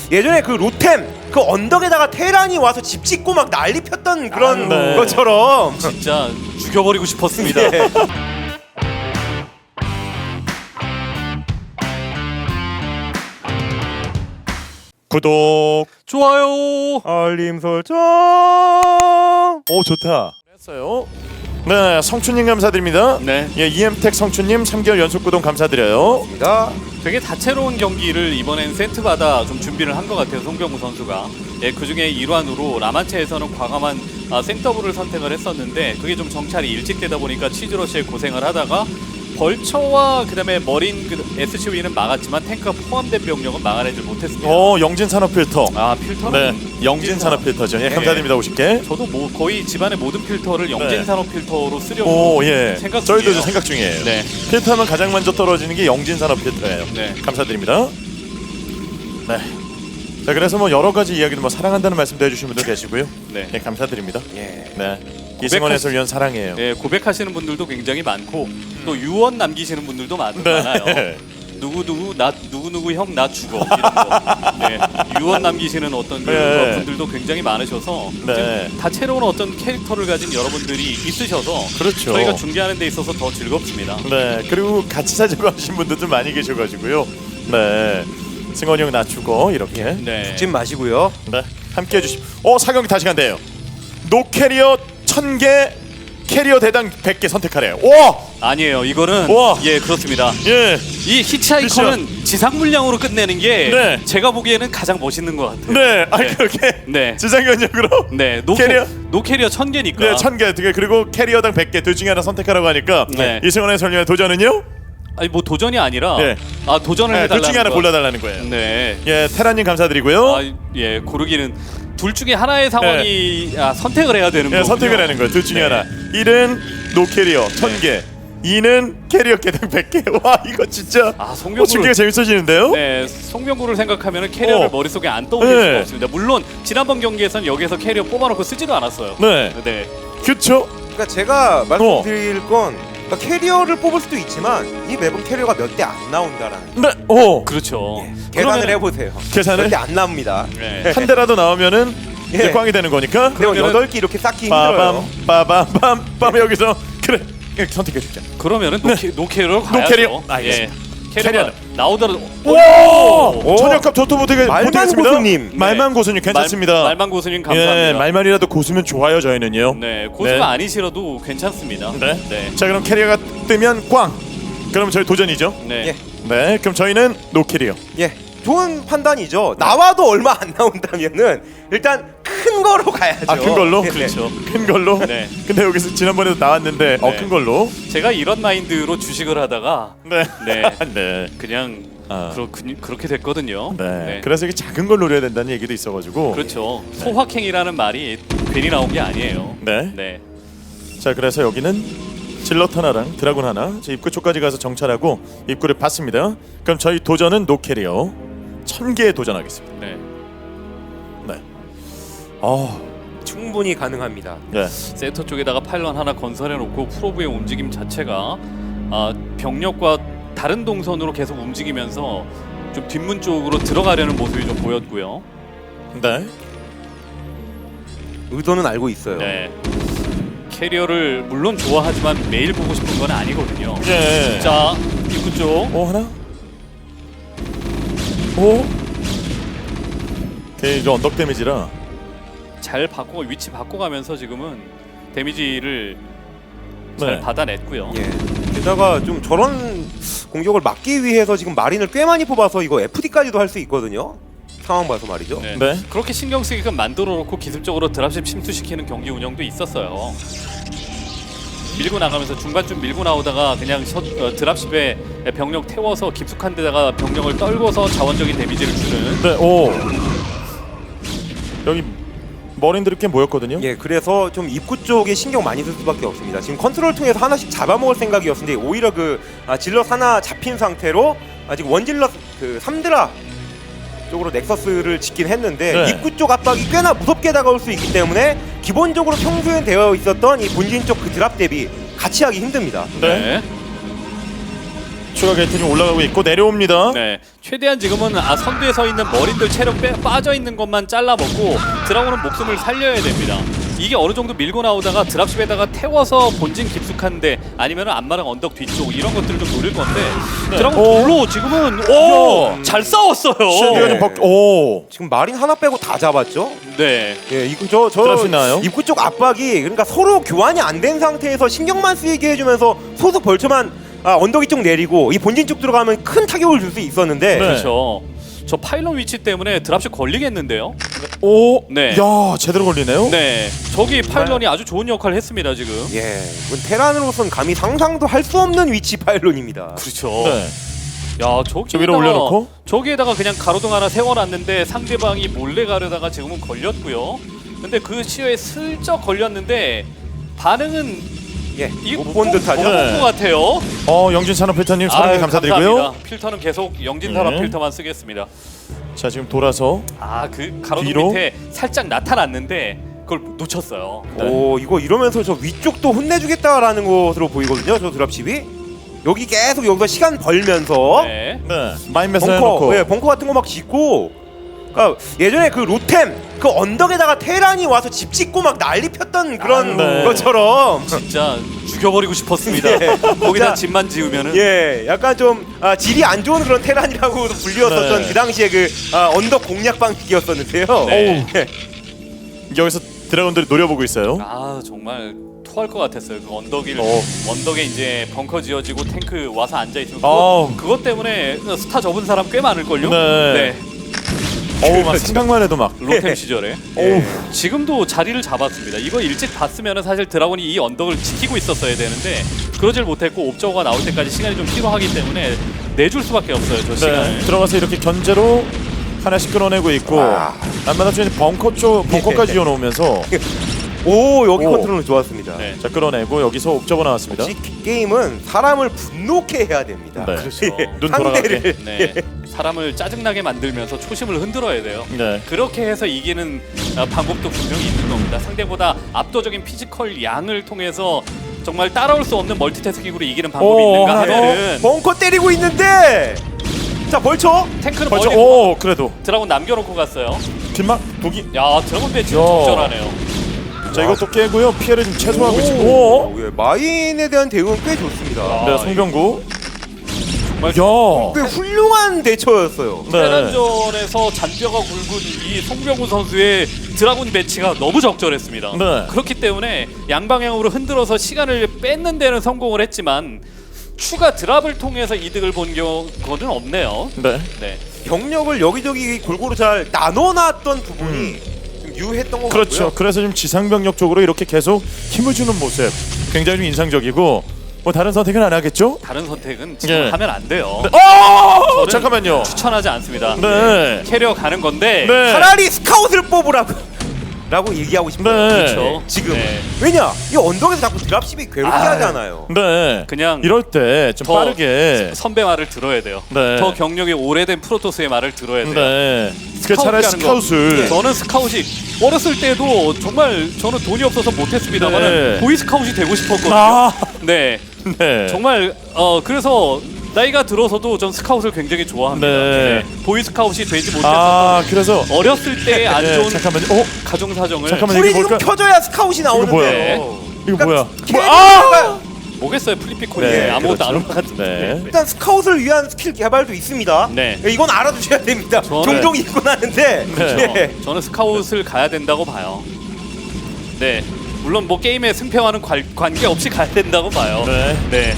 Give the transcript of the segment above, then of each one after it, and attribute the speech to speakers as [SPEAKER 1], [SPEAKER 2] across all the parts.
[SPEAKER 1] 예전에 그 로템 그 언덕에다가 테란이 와서 집 짓고 막 난리 폈던 그런
[SPEAKER 2] 네.
[SPEAKER 1] 것처럼
[SPEAKER 3] 진짜 죽여버리고 싶었습니다.
[SPEAKER 1] 예.
[SPEAKER 2] 구독,
[SPEAKER 3] 좋아요.
[SPEAKER 1] 알림 설정.
[SPEAKER 2] 오 좋다. 했어요. 네, 성춘님 감사드립니다.
[SPEAKER 3] 네.
[SPEAKER 2] 예, EM텍 성춘님 3개월 연속 구독 감사드려요.
[SPEAKER 1] 입니다.
[SPEAKER 3] 되게 다채로운 경기를 이번엔 세트마다 좀 준비를 한 것 같아요. 송병구 선수가. 예, 그중에 일환으로 라만체에서는 과감한 생더블을 선택을 했었는데 그게 좀 정찰이 일찍 되다 보니까 치즈러시에 고생을 하다가 벌처와 그다음에 머린 SCV는 막았지만 탱크가 포함된 병력은 막아내질 못했습니다.
[SPEAKER 2] 영진 산업 필터.
[SPEAKER 3] 아 필터는
[SPEAKER 2] 네, 영진 산업 필터죠. 예, 감사드립니다. 50개.
[SPEAKER 3] 저도 뭐 거의 집안의 모든 필터를 영진
[SPEAKER 2] 네.
[SPEAKER 3] 산업 필터로 쓰려고
[SPEAKER 2] 오, 예.
[SPEAKER 3] 생각
[SPEAKER 2] 저희도
[SPEAKER 3] 중이에요.
[SPEAKER 2] 좀 생각 중이에요.
[SPEAKER 3] 네.
[SPEAKER 2] 필터하면 가장 먼저 떨어지는 게 영진 산업 필터예요.
[SPEAKER 3] 네.
[SPEAKER 2] 감사드립니다. 네. 자, 그래서 뭐 여러 가지 이야기도 뭐 사랑한다는 말씀도 해주신 분들 계시고요.
[SPEAKER 3] 네.
[SPEAKER 2] 예, 감사드립니다.
[SPEAKER 1] 예.
[SPEAKER 2] 네. 이승원 해설위원 사랑해요.
[SPEAKER 3] 네, 고백하시는 분들도 굉장히 많고 또 유언 남기시는 분들도 많아요. 누구 형 나 죽어 이런 거. 네, 유언 남기시는 어떤
[SPEAKER 2] 네.
[SPEAKER 3] 분들도 굉장히 많으셔서
[SPEAKER 2] 네.
[SPEAKER 3] 좀 다채로운 어떤 캐릭터를 가진 여러분들이 있으셔서
[SPEAKER 2] 그렇죠.
[SPEAKER 3] 저희가 중계하는 데 있어서 더 즐겁습니다.
[SPEAKER 2] 네, 그리고 같이 사자고 하신 분들도 많이 계셔가지고요. 네, 승원이 형 낮추고 이렇게
[SPEAKER 3] 네.
[SPEAKER 1] 죽지 마시고요.
[SPEAKER 2] 네, 함께 해주십. 사경기 다시 간대요. 노 캐리어 1000개, 캐리어 대당 100개 선택하래요. 와,
[SPEAKER 3] 아니에요. 이거는
[SPEAKER 2] 우와.
[SPEAKER 3] 예 그렇습니다.
[SPEAKER 2] 예,
[SPEAKER 3] 이 히치하이커는 지상 물량으로 끝내는 게
[SPEAKER 2] 네.
[SPEAKER 3] 제가 보기에는 가장 멋있는 것 같아요.
[SPEAKER 2] 네,
[SPEAKER 3] 네.
[SPEAKER 2] 그렇게
[SPEAKER 3] 네.
[SPEAKER 2] 지상견역으로.
[SPEAKER 3] 네,
[SPEAKER 2] 캐리어?
[SPEAKER 3] 노캐리어 1000개니까.
[SPEAKER 2] 네, 1000개. 그리고 캐리어당 100개 둘 중에 하나 선택하라고 하니까
[SPEAKER 3] 네.
[SPEAKER 2] 이승원의 설명의 도전은요?
[SPEAKER 3] 아니 뭐 도전이 아니라
[SPEAKER 2] 네.
[SPEAKER 3] 도전을
[SPEAKER 2] 네,
[SPEAKER 3] 해달라는
[SPEAKER 2] 둘 중에 하나
[SPEAKER 3] 거.
[SPEAKER 2] 골라달라는 거예요.
[SPEAKER 3] 네.
[SPEAKER 2] 예, 테라님 감사드리고요.
[SPEAKER 3] 예, 고르기는 둘 중에 하나의 상황이 선택을 해야 되는 거예요.
[SPEAKER 2] 예, 선택을 하는 거예요. 둘 중에
[SPEAKER 3] 네.
[SPEAKER 2] 하나. 1은 노 캐리어 1000개. 2는 캐리어 개당 100개. 와, 이거 진짜
[SPEAKER 3] 송병구를
[SPEAKER 2] 중계가 재밌어지는데요?
[SPEAKER 3] 네, 송병구를 생각하면은 캐리어를 머릿속에 안 떠올릴
[SPEAKER 2] 네.
[SPEAKER 3] 수가 없습니다. 물론 지난번 경기에서는 여기서 캐리어 뽑아놓고 쓰지도 않았어요.
[SPEAKER 2] 네.
[SPEAKER 3] 네.
[SPEAKER 2] 그렇죠.
[SPEAKER 1] 그러니까 제가 말씀드릴 건 그러니까 캐리어를 뽑을 수도 있지만 이 맵은 캐리어가 몇 대 안 나온다라는
[SPEAKER 2] 네.
[SPEAKER 3] 그렇죠.
[SPEAKER 1] 계산을
[SPEAKER 3] 그러면은-
[SPEAKER 1] 해보세요.
[SPEAKER 2] 계산을?
[SPEAKER 1] 몇 대 안 나옵니다.
[SPEAKER 3] 네.
[SPEAKER 2] 한 대라도 나오면은
[SPEAKER 1] 예.
[SPEAKER 2] 이제 꽝이 되는 거니까.
[SPEAKER 1] 근데
[SPEAKER 3] 그러면은-
[SPEAKER 1] 8개 이렇게 쌓기
[SPEAKER 2] 빠밤
[SPEAKER 1] 힘들어요.
[SPEAKER 2] 빠밤 여기서 그래. 이렇게 선택해 주자.
[SPEAKER 3] 그러면은 노캐리어로 가야죠.
[SPEAKER 2] 노캐리어. 알겠습니다.
[SPEAKER 3] 캐리어가
[SPEAKER 2] 캐리어는.
[SPEAKER 3] 나오더라도
[SPEAKER 2] 오! 천역값 토토 못하겠습니다.
[SPEAKER 1] 말만 고수님.
[SPEAKER 2] 말만 고수님 괜찮습니다.
[SPEAKER 3] 말만 고수님 감사합니다.
[SPEAKER 2] 예, 말만이라도 고수면 좋아요 저희는요.
[SPEAKER 3] 네, 고수가
[SPEAKER 2] 네.
[SPEAKER 3] 아니시라도 괜찮습니다.
[SPEAKER 2] 네.
[SPEAKER 3] 네.
[SPEAKER 2] 자, 그럼 캐리어가 뜨면 꽝. 그럼 저희 도전이죠.
[SPEAKER 3] 네.
[SPEAKER 1] 예.
[SPEAKER 2] 네, 그럼 저희는 노 캐리어.
[SPEAKER 1] 예, 좋은 판단이죠. 나와도 얼마 안 나온다면은 일단 큰 거로 가야죠.
[SPEAKER 2] 아, 큰 걸로?
[SPEAKER 1] 네.
[SPEAKER 3] 그렇죠.
[SPEAKER 2] 큰 걸로.
[SPEAKER 3] 네.
[SPEAKER 2] 근데 여기서 지난번에도 나왔는데
[SPEAKER 3] 네.
[SPEAKER 2] 큰 걸로.
[SPEAKER 3] 제가 이런 마인드로 주식을 하다가
[SPEAKER 2] 네.
[SPEAKER 3] 네.
[SPEAKER 2] 네.
[SPEAKER 3] 그냥
[SPEAKER 2] 아.
[SPEAKER 3] 그렇게 됐거든요.
[SPEAKER 2] 네. 그래서 이게 작은 걸 노려야 된다는 얘기도 있어가지고.
[SPEAKER 3] 그렇죠. 소확행이라는 말이 괜히 나온 게 아니에요.
[SPEAKER 2] 네.
[SPEAKER 3] 네.
[SPEAKER 2] 자, 그래서 여기는 질럿 하나랑 드라군 하나. 저 입구 쪽까지 가서 정찰하고 입구를 봤습니다. 그럼 저희 도전은 노 캐리어 1000개에 도전하겠습니다.
[SPEAKER 3] 네.
[SPEAKER 2] 네.
[SPEAKER 1] 충분히 가능합니다.
[SPEAKER 2] 네.
[SPEAKER 3] 센터 쪽에다가 파일럿 하나 건설해 놓고 프로브의 움직임 자체가 병력과 다른 동선으로 계속 움직이면서 좀 뒷문 쪽으로 들어가려는 모습이 좀 보였고요.
[SPEAKER 2] 네.
[SPEAKER 1] 의도는 알고 있어요.
[SPEAKER 3] 네. 캐리어를 물론 좋아하지만 매일 보고 싶은 건 아니거든요.
[SPEAKER 2] 예.
[SPEAKER 3] 자, 입구 쪽.
[SPEAKER 2] 하나. 오. 오케이, 이거 언덕 데미지라.
[SPEAKER 3] 잘 바꿔 위치 바꿔가면서 지금은 데미지를 잘
[SPEAKER 2] 네.
[SPEAKER 3] 받아냈고요.
[SPEAKER 1] 예. 게다가 좀 저런 공격을 막기 위해서 지금 마린을 꽤 많이 뽑아서 이거 FD까지도 할 수 있거든요. 상황 봐서 말이죠.
[SPEAKER 3] 네.
[SPEAKER 2] 네.
[SPEAKER 3] 그렇게 신경 쓰게끔 만들어 놓고 기습적으로 드랍십 침투시키는 경기 운영도 있었어요. 밀고 나가면서 중반쯤 밀고 나오다가 그냥 드랍십에 병력 태워서 깊숙한 데다가 병력을 떨궈서 자원적인 데미지를 주는.
[SPEAKER 2] 네. 오. 여기 머린들이 꽤 모였거든요.
[SPEAKER 1] 예, 그래서 좀 입구 쪽에 신경 많이 쓸 수밖에 없습니다. 지금 컨트롤 통해서 하나씩 잡아먹을 생각이었는데 오히려 질럿 하나 잡힌 상태로 지금 원질럿 3드라 쪽으로 넥서스를 짓긴 했는데
[SPEAKER 2] 네.
[SPEAKER 1] 입구 쪽 압박이 꽤나 무섭게 다가올 수 있기 때문에 기본적으로 평소에 되어 있었던 이 본진 쪽 그 드랍 대비 같이 하기 힘듭니다.
[SPEAKER 2] 네. 추가 게이트는 올라가고 있고 내려옵니다.
[SPEAKER 3] 네, 최대한 지금은 선두에 서 있는 머린들 체력 빠져 있는 것만 잘라 먹고 드라곤은 목숨을 살려야 됩니다. 이게 어느 정도 밀고 나오다가 드랍십에다가 태워서 본진 깊숙한데 아니면 안마랑 언덕 뒤쪽 이런 것들을 좀 노릴 건데 드라곤 둘로 지금은 잘 싸웠어요.
[SPEAKER 2] 쉴드가 좀 오.
[SPEAKER 1] 지금 마린 하나 빼고 다 잡았죠.
[SPEAKER 3] 네,
[SPEAKER 1] 예, 이거 저
[SPEAKER 2] 드랍십 나와요?
[SPEAKER 1] 입구 쪽 압박이 그러니까 서로 교환이 안 된 상태에서 신경만 쓰이게 해주면서 소속 벌처만 언덕 이쪽 내리고 이 본진 쪽 들어가면 큰 타격을 줄 수 있었는데
[SPEAKER 2] 네.
[SPEAKER 3] 그렇죠. 저 파일럿 위치 때문에 드랍십 걸리겠는데요?
[SPEAKER 2] 오.
[SPEAKER 3] 네.
[SPEAKER 2] 야, 제대로 걸리네요.
[SPEAKER 3] 네, 저기 파일럿이 아주 좋은 역할을 했습니다 지금.
[SPEAKER 1] 예, 이건 테란으로선 감히 상상도 할 수 없는 위치 파일론입니다.
[SPEAKER 3] 그렇죠.
[SPEAKER 2] 네.
[SPEAKER 3] 야,
[SPEAKER 2] 저 위로 올려놓고?
[SPEAKER 3] 저기에다가 그냥 가로등 하나 세워놨는데 상대방이 몰래 가려다가 지금은 걸렸고요. 근데 그 시야에 슬쩍 걸렸는데 반응은
[SPEAKER 1] 예,
[SPEAKER 3] 이게
[SPEAKER 1] 못 본 듯하죠.
[SPEAKER 3] 못본것 같아요.
[SPEAKER 2] 영진 산업필터님 사랑해
[SPEAKER 3] 아유,
[SPEAKER 2] 감사드리고요.
[SPEAKER 3] 감사합니다. 필터는 계속 영진 산업
[SPEAKER 2] 네.
[SPEAKER 3] 필터만 쓰겠습니다.
[SPEAKER 2] 자, 지금 돌아서
[SPEAKER 3] 그 가로등
[SPEAKER 2] 뒤로?
[SPEAKER 3] 밑에 살짝 나타났는데 그걸 놓쳤어요.
[SPEAKER 1] 오, 이거 이러면서 저 위쪽도 혼내주겠다라는 것으로 보이거든요. 저 드랍십이 여기 계속 여기서 시간 벌면서
[SPEAKER 3] 네.
[SPEAKER 2] 네. 마인메스
[SPEAKER 1] 벙커,
[SPEAKER 2] 해놓고
[SPEAKER 1] 예, 벙커 같은 거 막 짓고. 그러니까 예전에 그 로템 그 언덕에다가 테란이 와서 집 짓고 막 난리 폈던 그런
[SPEAKER 2] 네.
[SPEAKER 1] 것처럼
[SPEAKER 3] 진짜 죽여버리고 싶었습니다.
[SPEAKER 1] 예.
[SPEAKER 3] 거기다
[SPEAKER 1] 진짜,
[SPEAKER 3] 집만 지으면은.
[SPEAKER 1] 예, 약간 좀 질이 안 좋은 그런 테란이라고 불리웠었던
[SPEAKER 2] 네.
[SPEAKER 1] 그 당시에 그 언덕 공략 방식이었었는데요.
[SPEAKER 3] 네.
[SPEAKER 1] 예.
[SPEAKER 2] 여기서 드래곤들이 노려보고 있어요.
[SPEAKER 3] 정말 토할 것 같았어요. 그 언덕을
[SPEAKER 2] 어.
[SPEAKER 3] 언덕에 이제 벙커 지어지고 탱크 와서 앉아 있으면
[SPEAKER 2] 어.
[SPEAKER 3] 그것 때문에 스타 접은 사람 꽤 많을 걸요.
[SPEAKER 2] 네. 막 생각만 해도 막.
[SPEAKER 3] 로템 시절에.
[SPEAKER 1] 예.
[SPEAKER 3] 지금도 자리를 잡았습니다. 이거 일찍 봤으면 사실 드라곤이 이 언덕을 지키고 있었어야 되는데 그러질 못했고 옵저버가 나올 때까지 시간이 좀 필요하기 때문에 내줄 수밖에 없어요. 저 시간을.
[SPEAKER 2] 네. 들어가서 이렇게 견제로 하나씩 끌어내고 있고 안마다 쪽에 벙커까지 지어놓으면서
[SPEAKER 1] 오, 여기
[SPEAKER 2] 오.
[SPEAKER 1] 컨트롤은 좋았습니다.
[SPEAKER 3] 네.
[SPEAKER 2] 자, 끌어내고 여기서 옵저버 나왔습니다.
[SPEAKER 1] 역시 게임은 사람을 분노케 해야 됩니다.
[SPEAKER 2] 네.
[SPEAKER 3] 그렇죠.
[SPEAKER 2] 눈 돌아가게.
[SPEAKER 1] 상대를
[SPEAKER 3] 네. 사람을 짜증나게 만들면서 초심을 흔들어야 돼요.
[SPEAKER 2] 네.
[SPEAKER 3] 그렇게 해서 이기는 방법도 분명히 있는 겁니다. 상대보다 압도적인 피지컬 양을 통해서 정말 따라올 수 없는 멀티태스킹으로 이기는 방법이 있는가 하면은
[SPEAKER 1] 벙커 때리고 있는데 자 벌쳐
[SPEAKER 3] 탱크를
[SPEAKER 2] 벌써
[SPEAKER 3] 멀리
[SPEAKER 2] 그래도
[SPEAKER 3] 드라곤 남겨놓고 갔어요.
[SPEAKER 2] 뒷막 독이.
[SPEAKER 3] 야, 드라곤 배치
[SPEAKER 2] 야.
[SPEAKER 3] 적절하네요.
[SPEAKER 2] 자, 이것도 깨고요. 피해를 좀 최소화하고 있습니다.
[SPEAKER 1] 오, 예, 마인에 대한 대응은 꽤 좋습니다.
[SPEAKER 2] 네, 송병구.
[SPEAKER 3] 정말
[SPEAKER 2] 야.
[SPEAKER 1] 꽤 훌륭한 대처였어요.
[SPEAKER 2] 네.
[SPEAKER 3] 테란전에서 잔뼈가 굵은 이 송병구 선수의 드라곤 배치가 너무 적절했습니다.
[SPEAKER 2] 네.
[SPEAKER 3] 그렇기 때문에 양방향으로 흔들어서 시간을 뺏는 데는 성공을 했지만 추가 드랍을 통해서 이득을 본 경우는 없네요.
[SPEAKER 2] 네.
[SPEAKER 3] 네.
[SPEAKER 1] 병력을 여기저기 골고루 잘 나눠놨던 부분이 좀 유효했던 것
[SPEAKER 2] 그렇죠.
[SPEAKER 1] 같고요.
[SPEAKER 2] 그래서 지금 지상병력 쪽으로 이렇게 계속 힘을 주는 모습 굉장히 좀 인상적이고 뭐 다른 선택은 안 하겠죠?
[SPEAKER 3] 다른 선택은 지금
[SPEAKER 2] 예.
[SPEAKER 3] 하면 안 돼요.
[SPEAKER 2] 어! 잠깐만요.
[SPEAKER 3] 추천하지 않습니다.
[SPEAKER 2] 네.
[SPEAKER 3] 캐리어 가는 건데
[SPEAKER 2] 네.
[SPEAKER 1] 차라리 스카웃을 뽑으라고 라고 얘기하고 싶어요.
[SPEAKER 2] 네.
[SPEAKER 3] 그렇죠.
[SPEAKER 1] 지금
[SPEAKER 3] 네.
[SPEAKER 1] 왜냐 이 언덕에서 자꾸 드랍십이 괴롭게 하잖아요.
[SPEAKER 2] 네.
[SPEAKER 3] 그냥
[SPEAKER 2] 이럴 때 좀
[SPEAKER 3] 더
[SPEAKER 2] 빠르게.
[SPEAKER 3] 선배 말을 들어야 돼요.
[SPEAKER 2] 네.
[SPEAKER 3] 더 경력이 오래된 프로토스의 말을 들어야 돼요.
[SPEAKER 2] 네. 그
[SPEAKER 3] 스카웃
[SPEAKER 2] 차라리
[SPEAKER 3] 가는 거.
[SPEAKER 2] 스카웃을.
[SPEAKER 3] 저는 스카웃이 어렸을 때도 정말 저는 돈이 없어서 못했습니다만
[SPEAKER 2] 네.
[SPEAKER 3] 보이 스카웃이 되고 싶었거든요.
[SPEAKER 2] 아.
[SPEAKER 3] 네,
[SPEAKER 2] 네.
[SPEAKER 3] 정말 그래서 나이가 들어서도 전 스카웃을 굉장히 좋아합니다.
[SPEAKER 2] 네.
[SPEAKER 3] 보이 스카웃이 되지 못했었던
[SPEAKER 2] 그래서
[SPEAKER 3] 어렸을 때 안
[SPEAKER 2] 네,
[SPEAKER 3] 좋은
[SPEAKER 2] 잠깐만요.
[SPEAKER 3] 가정 사정을
[SPEAKER 2] 잠깐만요.
[SPEAKER 1] 불이
[SPEAKER 2] 이게
[SPEAKER 1] 지금
[SPEAKER 2] 뭘까?
[SPEAKER 1] 켜져야 스카웃이 나오는데.
[SPEAKER 2] 뭐야? 이거 뭐야?
[SPEAKER 1] 캐리어가
[SPEAKER 3] 뭐겠어요, 플리피콘이
[SPEAKER 2] 네,
[SPEAKER 3] 아무것도 안
[SPEAKER 2] 그렇죠.
[SPEAKER 3] 올 것 같은데.
[SPEAKER 2] 네.
[SPEAKER 1] 일단 스카웃을 위한 스킬 개발도 있습니다.
[SPEAKER 3] 네.
[SPEAKER 1] 이건 알아두셔야 됩니다.
[SPEAKER 3] 저는-
[SPEAKER 1] 종종 있곤 하는데.
[SPEAKER 2] 네.
[SPEAKER 1] 예.
[SPEAKER 3] 저는 스카웃을 가야 된다고 봐요. 네, 물론 뭐 게임의 승패와는 관계없이 가야 된다고 봐요.
[SPEAKER 2] 네.
[SPEAKER 3] 네.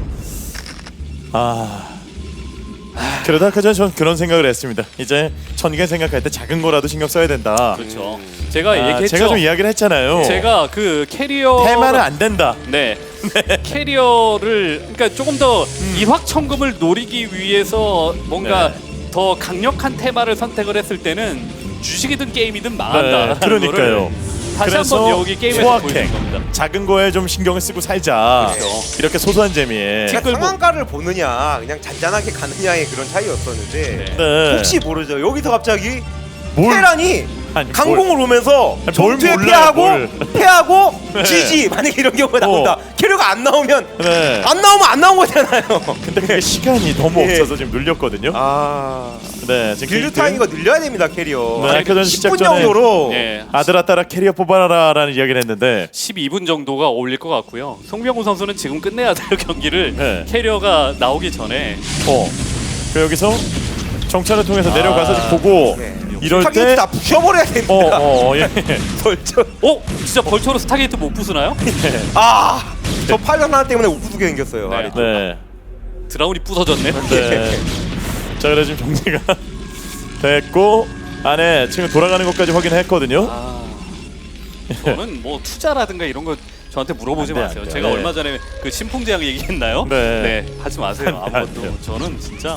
[SPEAKER 2] 그러다 아까 전에 전 그런 생각을 했습니다. 이제 천개 생각할 때 작은 거라도 신경 써야 된다.
[SPEAKER 3] 그렇죠. 제가 얘기했죠.
[SPEAKER 2] 제가 좀 이야기를 했잖아요.
[SPEAKER 3] 제가 그 캐리어
[SPEAKER 2] 테마는 안 된다.
[SPEAKER 3] 네. 캐리어를 그러니까 조금 더 일확천금을 노리기 위해서 뭔가
[SPEAKER 2] 네.
[SPEAKER 3] 더 강력한 테마를 선택을 했을 때는 주식이든 게임이든 망한다.
[SPEAKER 2] 네, 그러니까요.
[SPEAKER 3] 다시 한번 여기 게임에서
[SPEAKER 2] 소확행.
[SPEAKER 3] 보여준 겁니다.
[SPEAKER 2] 작은 거에 좀 신경을 쓰고 살자.
[SPEAKER 3] 그렇죠.
[SPEAKER 2] 이렇게 소소한 재미에.
[SPEAKER 1] 그러니까
[SPEAKER 3] 끌고.
[SPEAKER 1] 상한가를 보느냐 그냥 잔잔하게 가느냐의 그런 차이였었는데
[SPEAKER 3] 네.
[SPEAKER 2] 네.
[SPEAKER 1] 혹시 모르죠. 여기서 갑자기
[SPEAKER 2] 뭘?
[SPEAKER 1] 테란이
[SPEAKER 2] 아니,
[SPEAKER 1] 강공을 오면서
[SPEAKER 2] 뭘
[SPEAKER 1] 전투에
[SPEAKER 2] 몰라요,
[SPEAKER 1] 패하고 지지 만약에 이런 경우가 나온다. 캐리어가 안 나오면
[SPEAKER 2] 네.
[SPEAKER 1] 안 나온 거잖아요.
[SPEAKER 2] 근데 그게 시간이 너무
[SPEAKER 1] 예.
[SPEAKER 2] 없어서 지금 눌렸거든요. 네, 지금
[SPEAKER 1] 빌드 타이밍을 늘려야 됩니다 캐리어.
[SPEAKER 2] 네, 아까 전 시작
[SPEAKER 1] 10분
[SPEAKER 2] 전에
[SPEAKER 1] 정도로.
[SPEAKER 3] 예.
[SPEAKER 2] 아들아 딸아 캐리어 뽑아라라는 이야기를 했는데
[SPEAKER 3] 12분 정도가 어울릴 것 같고요. 송병구 선수는 지금 끝내야 돼요 경기를.
[SPEAKER 2] 네.
[SPEAKER 3] 캐리어가 나오기 전에.
[SPEAKER 2] 그 여기서 정찰을 통해서 내려가서 보고
[SPEAKER 1] 네.
[SPEAKER 2] 이럴
[SPEAKER 1] 타겟
[SPEAKER 2] 때
[SPEAKER 1] 다 부셔버려야 됩니다.
[SPEAKER 2] 예.
[SPEAKER 1] 벌써.
[SPEAKER 3] 진짜 벌처로 스타게이트 못 부수나요?
[SPEAKER 1] 저 팔각 하나 때문에 우두게 생겼어요.
[SPEAKER 3] 네.
[SPEAKER 1] 아래쪽.
[SPEAKER 2] 네.
[SPEAKER 3] 드라운이 부서졌네.
[SPEAKER 2] 네. 자, 그래 지금 정리가 됐고 안에 지금 돌아가는 것까지 확인했거든요.
[SPEAKER 3] 저는 뭐 투자라든가 이런 거 저한테 물어보지
[SPEAKER 2] 안 돼,
[SPEAKER 3] 마세요.
[SPEAKER 2] 안 돼.
[SPEAKER 3] 제가
[SPEAKER 2] 네.
[SPEAKER 3] 얼마 전에 그 신풍제약 얘기했나요?
[SPEAKER 2] 네.
[SPEAKER 3] 하지 마세요.
[SPEAKER 2] 안 돼, 안
[SPEAKER 3] 아무것도.
[SPEAKER 2] 돼요.
[SPEAKER 3] 저는 진짜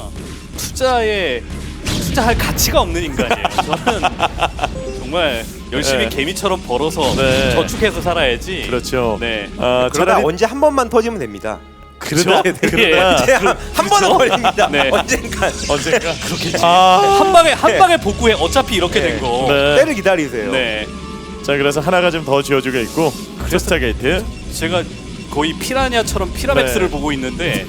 [SPEAKER 3] 투자할 가치가 없는 인간이에요. 저는 정말 열심히
[SPEAKER 2] 네.
[SPEAKER 3] 개미처럼 벌어서
[SPEAKER 2] 네.
[SPEAKER 3] 저축해서 살아야지.
[SPEAKER 2] 그렇죠.
[SPEAKER 3] 네.
[SPEAKER 1] 그러다
[SPEAKER 2] 차라리
[SPEAKER 1] 언제 한 번만 터지면 됩니다.
[SPEAKER 2] 그러다
[SPEAKER 3] 예.
[SPEAKER 1] 언제 한 번은 걸립니다.
[SPEAKER 3] 네.
[SPEAKER 1] 언젠간
[SPEAKER 2] 언젠가
[SPEAKER 3] 그렇겠지.
[SPEAKER 2] 아,
[SPEAKER 3] 한 방에 복구해. 어차피 이렇게 된 거.
[SPEAKER 2] 네.
[SPEAKER 1] 때를 기다리세요.
[SPEAKER 3] 네.
[SPEAKER 2] 자, 그래서 하나가 좀 더 지어주고 있고 스타게이트.
[SPEAKER 3] 제가 거의 피라냐처럼 피라맥스를
[SPEAKER 2] 네.
[SPEAKER 3] 보고 있는데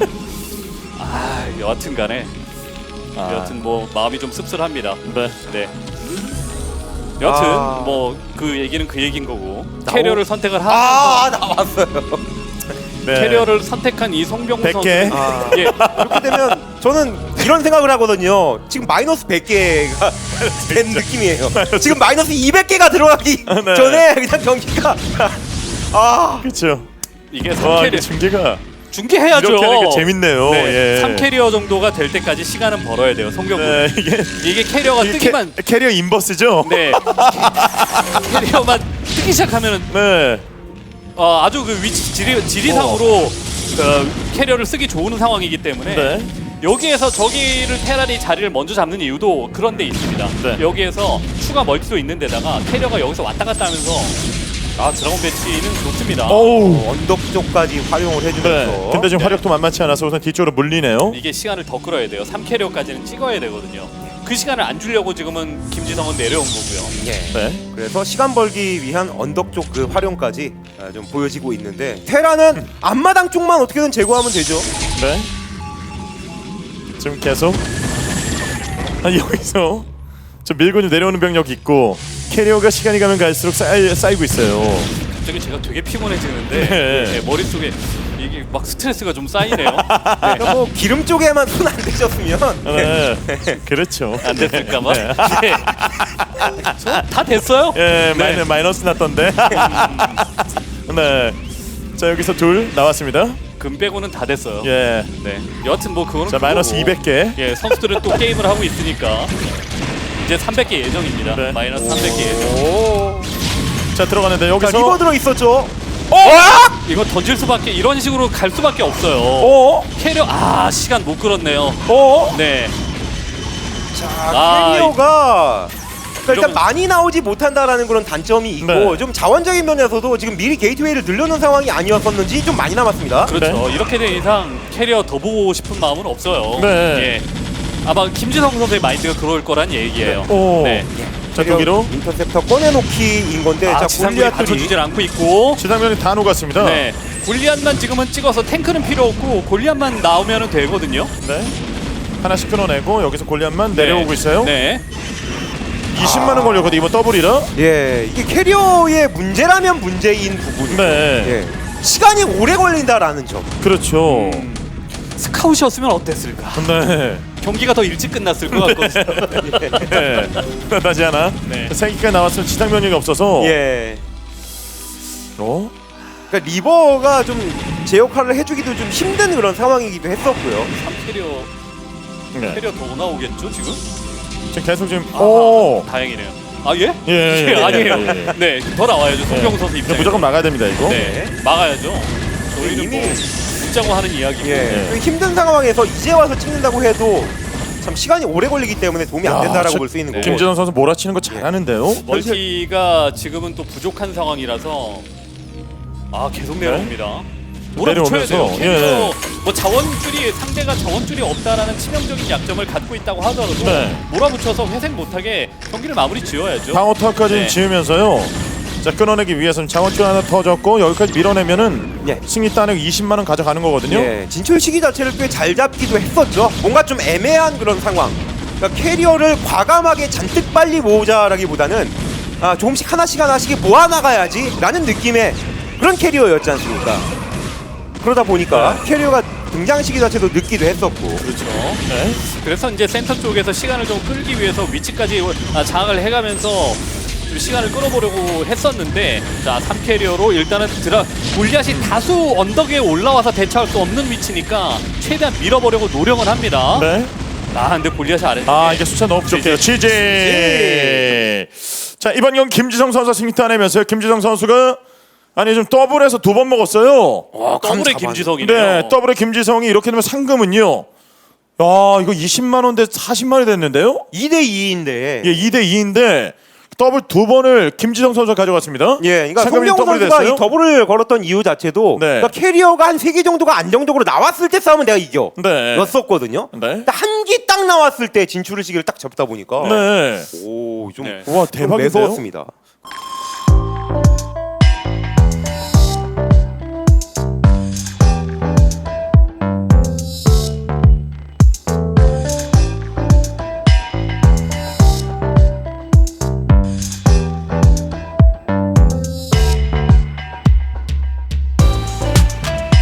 [SPEAKER 3] 여하튼간에 여하튼 뭐 마음이 좀 씁쓸합니다.
[SPEAKER 2] 네.
[SPEAKER 3] 네. 여하튼
[SPEAKER 1] 아.
[SPEAKER 3] 뭐 그 얘기는 그 얘기인 거고 캐리어를 선택을 하면서
[SPEAKER 1] 나왔어요.
[SPEAKER 2] 네.
[SPEAKER 3] 캐리어를 선택한 이 송병구
[SPEAKER 2] 100개.
[SPEAKER 3] 선수. 예.
[SPEAKER 1] 이렇게 되면 저는 이런 생각을 하거든요. 지금 마이너스 100개가 된 느낌이에요. 지금 마이너스 200개가 들어가기
[SPEAKER 2] 네.
[SPEAKER 1] 전에 그냥 경기가
[SPEAKER 2] 그렇죠.
[SPEAKER 3] 이게
[SPEAKER 2] 와,
[SPEAKER 3] 3캐리어
[SPEAKER 2] 이게 중계가
[SPEAKER 3] 중계해야죠.
[SPEAKER 2] 이렇게 하니까 재밌네요.
[SPEAKER 3] 네.
[SPEAKER 2] 예.
[SPEAKER 3] 3캐리어 정도가 될 때까지 시간은 벌어야 돼요. 송병구.
[SPEAKER 2] 네,
[SPEAKER 3] 이게 캐리어가 뜨기만
[SPEAKER 2] 캐리어 인버스죠.
[SPEAKER 3] 네. 캐리어만 뜨기 시작하면은
[SPEAKER 2] 네.
[SPEAKER 3] 아주 그 위치 지리상으로 캐리어를 쓰기 좋은 상황이기 때문에
[SPEAKER 2] 네.
[SPEAKER 3] 여기에서 저기를 테란이 자리를 먼저 잡는 이유도 그런 데 있습니다.
[SPEAKER 2] 네.
[SPEAKER 3] 여기에서 추가 멀티도 있는 데다가 캐리어가 여기서 왔다 갔다 하면서 드라곤 배치는 좋습니다.
[SPEAKER 2] 오우.
[SPEAKER 1] 언덕 쪽까지 활용을 해주면서.
[SPEAKER 2] 네. 근데 지금 화력도 만만치 않아서 우선 뒤쪽으로 물리네요.
[SPEAKER 3] 이게 시간을 더 끌어야 돼요. 3캐리어까지는 찍어야 되거든요. 그 시간을 안 주려고 지금은 김지성은 내려온 거고요.
[SPEAKER 1] 예.
[SPEAKER 2] 네.
[SPEAKER 1] 그래서 시간 벌기 위한 언덕 쪽 그 활용까지 좀 보여지고 있는데 테라는 앞마당 쪽만 어떻게든 제거하면 되죠.
[SPEAKER 2] 네. 지금 계속 여기서 좀 밀고 좀 내려오는 병력 있고 캐리어가 시간이 가면 갈수록 쌓이고 있어요.
[SPEAKER 3] 갑자기 제가 되게 피곤해지는데
[SPEAKER 2] 네.
[SPEAKER 3] 머릿속에 이게 막 스트레스가 좀 쌓이네요.
[SPEAKER 1] 그러니까 뭐 기름 쪽에만 손 안 대셨으면
[SPEAKER 2] 네. 그렇죠.
[SPEAKER 3] 안 됐을까봐.
[SPEAKER 2] 네.
[SPEAKER 3] 네. 다 됐어요?
[SPEAKER 2] 예,
[SPEAKER 3] 네.
[SPEAKER 2] 마이너스 났던데. 네. 자, 여기서 둘 나왔습니다.
[SPEAKER 3] 금 빼고는 다 됐어요.
[SPEAKER 2] 예.
[SPEAKER 3] 네. 여하튼 뭐 그거는
[SPEAKER 2] 자, 마이너스
[SPEAKER 3] 그거고.
[SPEAKER 2] 200개.
[SPEAKER 3] 예, 선수들은 또 게임을 하고 있으니까 이제 300개 예정입니다.
[SPEAKER 2] 네.
[SPEAKER 3] 마이너스 300개 예정.
[SPEAKER 1] 오.
[SPEAKER 2] 자, 들어가는데
[SPEAKER 1] 자,
[SPEAKER 2] 여기서
[SPEAKER 1] 리버 들어 있었죠.
[SPEAKER 3] 이거 던질 수밖에 이런 식으로 갈 수밖에 없어요.
[SPEAKER 1] 어?
[SPEAKER 3] 캐리어 시간 못 끌었네요.
[SPEAKER 1] 어?
[SPEAKER 3] 네.
[SPEAKER 1] 자, 캐리어가 그러니까 일단
[SPEAKER 3] 이러면-
[SPEAKER 1] 많이 나오지 못한다라는 그런 단점이 있고
[SPEAKER 2] 네.
[SPEAKER 1] 좀 자원적인 면에서도 지금 미리 게이트웨이를 늘려놓은 상황이 아니었었는지 좀 많이 남았습니다.
[SPEAKER 3] 그렇죠. 이렇게 된 이상 캐리어 더 보고 싶은 마음은 없어요.
[SPEAKER 2] 네.
[SPEAKER 3] 예. 아마 김지성 선수의 마인드가 그럴 거란 얘기예요.
[SPEAKER 2] 오.
[SPEAKER 3] 네.
[SPEAKER 2] 자, 독기로
[SPEAKER 1] 인터셉터 꺼내놓기인 건데 자
[SPEAKER 3] 지상군이
[SPEAKER 1] 골리앗들이
[SPEAKER 3] 받쳐주질 않고 있고.
[SPEAKER 2] 지상면이 다 녹았습니다.
[SPEAKER 3] 네. 골리앗만 지금은 찍어서 탱크는 필요 없고 골리앗만 나오면 되거든요.
[SPEAKER 2] 네. 하나씩 끊어내고 여기서 골리앗만 내려오고 있어요.
[SPEAKER 3] 네.
[SPEAKER 2] 20만 원 걸렸거든요. 이번 더블이라.
[SPEAKER 1] 예 이게 캐리어의 문제라면 문제인 부분이죠.
[SPEAKER 2] 네.
[SPEAKER 1] 예. 시간이 오래 걸린다라는 점.
[SPEAKER 2] 그렇죠.
[SPEAKER 3] 스카웃이었으면 어땠을까?
[SPEAKER 2] 네.
[SPEAKER 3] 경기가 더 일찍 끝났을 것 같거든요.
[SPEAKER 2] 네. 다시 하나.
[SPEAKER 3] 네.
[SPEAKER 2] 생기가 나왔으면 지상 면역이 없어서.
[SPEAKER 1] 예.
[SPEAKER 2] 어?
[SPEAKER 1] 그러니까 리버가 좀 제 역할을 해주기도 좀 힘든 그런 상황이기도 했었고요.
[SPEAKER 3] 3캐리어
[SPEAKER 2] 네.
[SPEAKER 3] 캐리어 더 나오겠죠 지금?
[SPEAKER 2] 지금 계속 지금.
[SPEAKER 3] 아하,
[SPEAKER 2] 오.
[SPEAKER 3] 다행이네요. 아 예?
[SPEAKER 2] 예,
[SPEAKER 3] 아니에요.
[SPEAKER 2] 예.
[SPEAKER 3] 네, 더 나와야죠. 송병구 선수
[SPEAKER 2] 이거
[SPEAKER 3] 입장에.
[SPEAKER 2] 무조건 막아야 됩니다 이거.
[SPEAKER 3] 네, 막아야죠. 저희는
[SPEAKER 1] 이미-
[SPEAKER 3] 뭐 웃자고 하는 이야기고.
[SPEAKER 1] 예.
[SPEAKER 2] 네.
[SPEAKER 1] 좀 힘든 상황에서 이제 와서 찍는다고 해도 참 시간이 오래 걸리기 때문에 도움이 안
[SPEAKER 2] 야,
[SPEAKER 1] 된다라고
[SPEAKER 2] 저-
[SPEAKER 1] 볼 수 있는
[SPEAKER 3] 네.
[SPEAKER 1] 거고.
[SPEAKER 2] 김진원 선수 몰아치는 거 잘하는데요.
[SPEAKER 3] 멀티가 지금은 또 부족한 상황이라서 계속 내려옵니다. 몰아붙여야 돼요.
[SPEAKER 2] 내려오면서,
[SPEAKER 3] 캐리어 뭐 자원줄이 상대가 자원줄이 없다라는 치명적인 약점을 갖고 있다고 하더라도
[SPEAKER 2] 네.
[SPEAKER 3] 몰아붙여서 회생 못하게 경기를 마무리 지어야죠.
[SPEAKER 2] 방어타까지
[SPEAKER 3] 네.
[SPEAKER 2] 지으면서요. 자, 끊어내기 위해서는 자원줄 하나 터졌고 여기까지 밀어내면은
[SPEAKER 1] 예.
[SPEAKER 2] 승리 따내고 20만 원 가져가는 거거든요.
[SPEAKER 1] 예, 진출 시기 자체를 꽤 잘 잡기도 했었죠. 뭔가 좀 애매한 그런 상황. 그러니까 캐리어를 과감하게 잔뜩 빨리 모으자라기보다는 조금씩 하나씩 모아나가야지라는 느낌의 그런 캐리어였지 않습니까? 그러다 보니까 캐리어가 등장 시기 자체도 늦기도 했었고.
[SPEAKER 3] 그렇죠.
[SPEAKER 2] 네.
[SPEAKER 3] 그래서 이제 센터 쪽에서 시간을 좀 끌기 위해서 위치까지 장악을 해가면서 좀 시간을 끌어보려고 했었는데, 자 3캐리어로 일단은 골리앗이 다수 언덕에 올라와서 대처할 수 없는 위치니까 최대한 밀어보려고 노력은 합니다.
[SPEAKER 2] 네.
[SPEAKER 3] 근데 골리앗이 아래쪽에
[SPEAKER 2] 이게 숫자 너무 부족해요. 취재. 자, 이번 경기 김지성 선수 승리 따내면서요. 김지성 선수가 좀 더블에서 2번 먹었어요.
[SPEAKER 3] 더블의 김지성이네요.
[SPEAKER 2] 네, 더블의 김지성이 이렇게 되면 상금은요. 이거 20만 원대 40만 원이 됐는데요.
[SPEAKER 1] 2대2인데.
[SPEAKER 2] 예, 2대 2인데 더블 2번을 김지성 선수가 가져갔습니다.
[SPEAKER 1] 예, 그러니까
[SPEAKER 2] 상금이
[SPEAKER 1] 송병호
[SPEAKER 2] 더블이
[SPEAKER 1] 선수가
[SPEAKER 2] 됐어요?
[SPEAKER 1] 이 더블을 걸었던 이유 자체도
[SPEAKER 2] 네.
[SPEAKER 1] 그러니까 캐리어가 한 3개 정도가 안정적으로 나왔을 때 싸우면 내가 이겨.
[SPEAKER 2] 네.
[SPEAKER 1] 였었거든요.
[SPEAKER 2] 네.
[SPEAKER 1] 한 기 딱 나왔을 때 진출을 시기를 딱 잡다 보니까
[SPEAKER 2] 네.
[SPEAKER 1] 오, 좀
[SPEAKER 3] 네.
[SPEAKER 2] 와,
[SPEAKER 1] 좀
[SPEAKER 2] 대박인데요.
[SPEAKER 1] 매서웠습니다.